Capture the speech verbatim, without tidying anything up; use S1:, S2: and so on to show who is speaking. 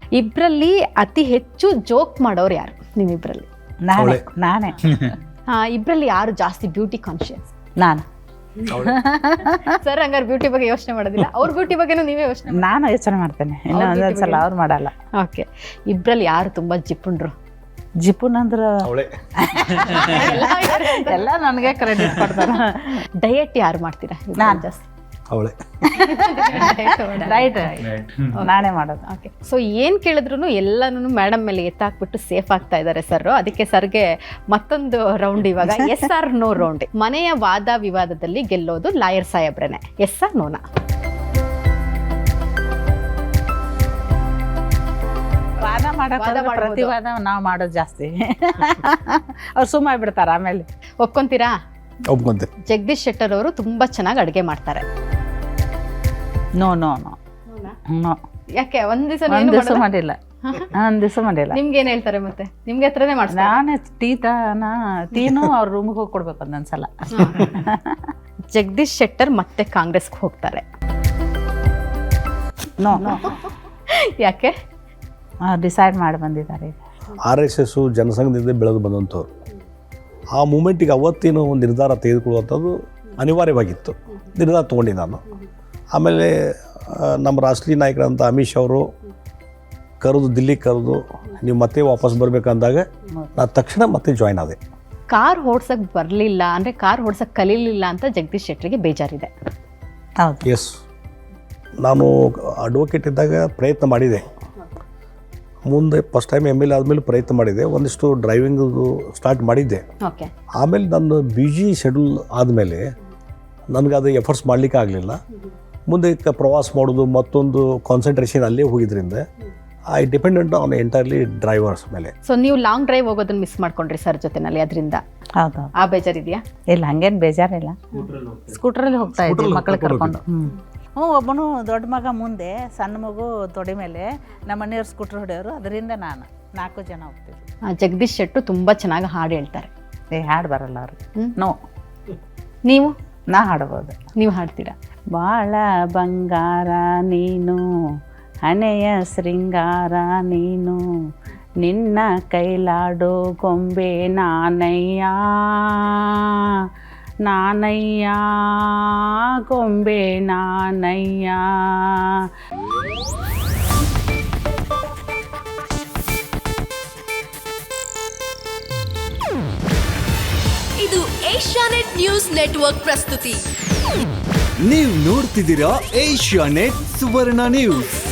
S1: ಇಬ್ಬರಲ್ಲಿ ಅತಿ ಹೆಚ್ಚು ಜೋಕ್ ಮಾಡೋರು ಯಾರು ನಿಮ್ಮಿಬ್ಬರಲ್ಲಿ?
S2: ನಾನೇ ನಾನೇ
S1: ಹಾ, ಇಬ್ಬರಲ್ಲಿ ಯಾರು ಜಾಸ್ತಿ ಬ್ಯೂಟಿ ಕಾನ್ಶಿಯಸ್?
S2: ನಾನು
S1: ಸರ್ ಹಂಗಾರೆ ಬ್ಯೂಟಿ ಬಗ್ಗೆ ಯೋಚನೆ ಮಾಡೋದಿಲ್ಲ, ಅವ್ರ ಬ್ಯೂಟಿ ಬಗ್ಗೆನೂ ನೀವೇ ಯೋಚನೆ?
S2: ನಾನು ಯೋಚನೆ ಮಾಡ್ತೇನೆ, ಇನ್ನು ಒಂದೊಂದ್ಸಲ ಅವ್ರು ಮಾಡಲ್ಲ.
S1: ಓಕೆ, ಇಬ್ಬರಲ್ಲಿ ಯಾರು ತುಂಬಾ ಜಿಪುಣ್ರು?
S2: ಜಿಪುನ್ ಅಂದ್ರ ಎಲ್ಲ ನನಗೆ ಕ್ರೆಡಿಟ್ ಕೊಡ್ತಾರ.
S1: ಡಯಟ್ ಯಾರು ಮಾಡ್ತೀರಾ?
S2: ನಾನು
S1: ಜಾಸ್ತಿ
S3: ಅವಳೆ
S2: ರೈಟ್ ನಾನೇ ಮಾಡೋದು.
S1: ಓಕೆ, ಸೊ ಏನು ಕೇಳಿದ್ರು ಎಲ್ಲನೂ ಮೇಡಮ್ ಮೇಲೆ ಎತ್ತಾಕ್ಬಿಟ್ಟು ಸೇಫ್ ಆಗ್ತಾ ಇದ್ದಾರೆ ಸರ್. ಅದಕ್ಕೆ ಸರ್ಗೆ ಮತ್ತೊಂದು ರೌಂಡ್ ಇವಾಗ ಎಸ್ ಆರ್ ನೋ ರೌಂಡ್. ಮನೆಯ ವಾದ ವಿವಾದದಲ್ಲಿ ಗೆಲ್ಲೋದು ಲಾಯರ್ ಸಾಹೇಬ್ರನೆ, ಎಸ್ ಆರ್ ನೋನಾ?
S2: ವಾದ ಮಾಡಕ್ಕೆ ಪ್ರತಿವಾದ ನಾವು ಮಾಡೋದು ಜಾಸ್ತಿ. ಅವ್ರು ಸುಮ್ಮ ಬಿಡ್ತಾರ ಆಮೇಲೆ.
S1: ಒಪ್ಕೊಂತೀರಾ?
S3: ಒಪ್ಕೊಂತೆ.
S1: ಜಗದೀಶ್ ಶೆಟ್ಟರ್ ಅವರು ತುಂಬಾ ಚೆನ್ನಾಗಿ ಅಡುಗೆ ಮಾಡ್ತಾರೆ.
S2: No no no no.
S1: ಯಾಕೆ ಒಂದ್ ದಿವಸ
S2: ಒಂದ್ ದಿವಸ ಮಾಡಿಲ್ಲ, ಒಂದ್ ದಿವಸ ಮಾಡಿಲ್ಲ.
S1: ನಿಮ್ಗೆ ಏನ್ ಹೇಳ್ತಾರೆ ಮತ್ತೆ? ನಿಮ್ಗೆ ಹತ್ರನೇ ಮಾಡ್ತಾರೆ?
S2: ನಾನೇ ಟೀ ತಾನ ಟೀನು ಅವ್ರ ರೂಮ್ಗೆ ಹೋಗಿ ಕೊಡ್ಬೇಕು ಒಂದೊಂದ್ಸಲ.
S1: ಜಗದೀಶ್ ಶೆಟ್ಟರ್ ಮತ್ತೆ ಕಾಂಗ್ರೆಸ್ಗೆ ಹೋಗ್ತಾರೆ.
S2: ನೋ
S1: ಯಾಕೆ?
S2: ಡಿಸೈಡ್ ಮಾಡಿ ಬಂದಿದ್ದಾರೆ.
S3: ಆರ್ ಎಸ್ ಎಸ್ಸು ಜನಸಂಘದಿಂದ ಬೆಳೆದು ಬಂದಂಥವ್ರು. ಆ ಮೂಮೆಂಟಿಗೆ ಅವತ್ತಿನ ಒಂದು ನಿರ್ಧಾರ ತೆಗೆದುಕೊಳ್ಳುವಂಥದ್ದು ಅನಿವಾರ್ಯವಾಗಿತ್ತು. ನಿರ್ಧಾರ ತೊಗೊಂಡು ನಾನು ಆಮೇಲೆ ನಮ್ಮ ರಾಷ್ಟ್ರೀಯ ನಾಯಕರಂತ ಅಮಿತ್ ಶಾ ಅವರು ಕರೆದು ದಿಲ್ಲಿಗೆ ಕರೆದು ನೀವು ಮತ್ತೆ ವಾಪಸ್ ಬರಬೇಕಂದಾಗ ನಾನು ತಕ್ಷಣ ಮತ್ತೆ ಜಾಯ್ನ್ ಆದೆ.
S1: ಕಾರ್ ಓಡ್ಸಕ್ ಬರಲಿಲ್ಲ ಅಂದರೆ ಕಾರ್ ಓಡ್ಸಕ್ ಕಲೀಲಿಲ್ಲ ಅಂತ ಜಗದೀಶ್ ಶೆಟ್ಟರಿಗೆ ಬೇಜಾರಿದೆ.
S2: ಹೌದು.
S3: ಎಸ್, ನಾನು ಅಡ್ವೊಕೇಟ್ ಇದ್ದಾಗ ಪ್ರಯತ್ನ ಮಾಡಿದೆ. ಮುಂದೆ first time M L A ಆದಮೇಲೆ ಪ್ರಯತ್ನ ಮಾಡಿದೆ, ಒಂದಿಷ್ಟು ಡ್ರೈವಿಂಗ್ ಸ್ಟಾರ್ಟ್ ಮಾಡಿದ್ದೆ.
S1: ಓಕೆ, ಆಮೇಲೆ
S3: ನನ್ನ ಬಿಜಿ ಶೆಡ್ಯೂಲ್ ಆದಮೇಲೆ ನನಗದು ಎಫರ್ಟ್ಸ್ ಮಾಡಲಿಕ್ಕೆ ಆಗಲಿಲ್ಲ. ಮುಂದೆ ಪ್ರವಾಸ ಮಾಡೋದು ಮತ್ತೊಂದು ಕಾನ್ಸಂಟ್ರೇಷನ್ ಅಲ್ಲೇ ಹೋಗಿದ್ರಿಂದ I dependent on entirely drivers ಮೇಲೆ.
S1: ಸೊ ನೀವು ಲಾಂಗ್ ಡ್ರೈವ್ ಹೋಗೋದನ್ನ ಮಿಸ್ ಮಾಡ್ಕೊಂಡ್ರಿ ಸರ್ ಜೊತೆನಲ್ಲಿ, ಅದರಿಂದ
S2: ಹೌದು.
S1: ಆ ಬೇಜಾರಿದೆಯಾ?
S2: ಇಲ್ಲ, ಹಂಗೇನು ಬೇಜಾರಿಲ್ಲ. ಸ್ಕೂಟ್ರಲ್ಲಿ ಹೋಗ್ತಾ ಇದ್ವಿ ಮಕ್ಕಳು ಕರ್ಕೊಂಡು. ಹ್ಞೂ, ಒಬ್ಬನು ದೊಡ್ಡ ಮಗ ಮುಂದೆ, ಸಣ್ಣ ಮಗು ತೊಡೆ ಮೇಲೆ, ನಮ್ಮ ಮನೆಯವ್ರು ಸ್ಕೂಟ್ರ್ ಹೊಡೆಯೋರು. ಅದರಿಂದ ನಾನು ನಾಲ್ಕು ಜನ ಹೋಗ್ತೀವಿ.
S1: ಜಗದೀಶ್ ಶೆಟ್ಟರು ತುಂಬ ಚೆನ್ನಾಗಿ ಹಾಡು ಹೇಳ್ತಾರೆ.
S2: ಏ ಹಾಡು ಬರಲ್ಲ ಅವ್ರಿಗೆ. ನೋ.
S1: ನೀವು?
S2: ನಾ ಹಾಡ್ಬೋದು.
S1: ನೀವು ಹಾಡ್ತೀರಾ?
S2: ಬಾಳ ಬಂಗಾರ ನೀನು, ಹಣೆಯ ಶೃಂಗಾರ ನೀನು, ನಿನ್ನ ಕೈಲಾಡೋ ಗೊಂಬೆ ನಾನಯ್ಯ, ನಾನಯ್ಯ ಗೊಂಬೆ ನಾನಯ್ಯ.
S4: ಇದು ಏಷ್ಯಾನೆಟ್ ನ್ಯೂಸ್ ನೆಟ್ವರ್ಕ್ ಪ್ರಸ್ತುತಿ.
S5: ನೀವು ನೋಡ್ತಿದ್ದೀರಾ ಏಷ್ಯಾನೆಟ್ ಸುವರ್ಣ ನ್ಯೂಸ್.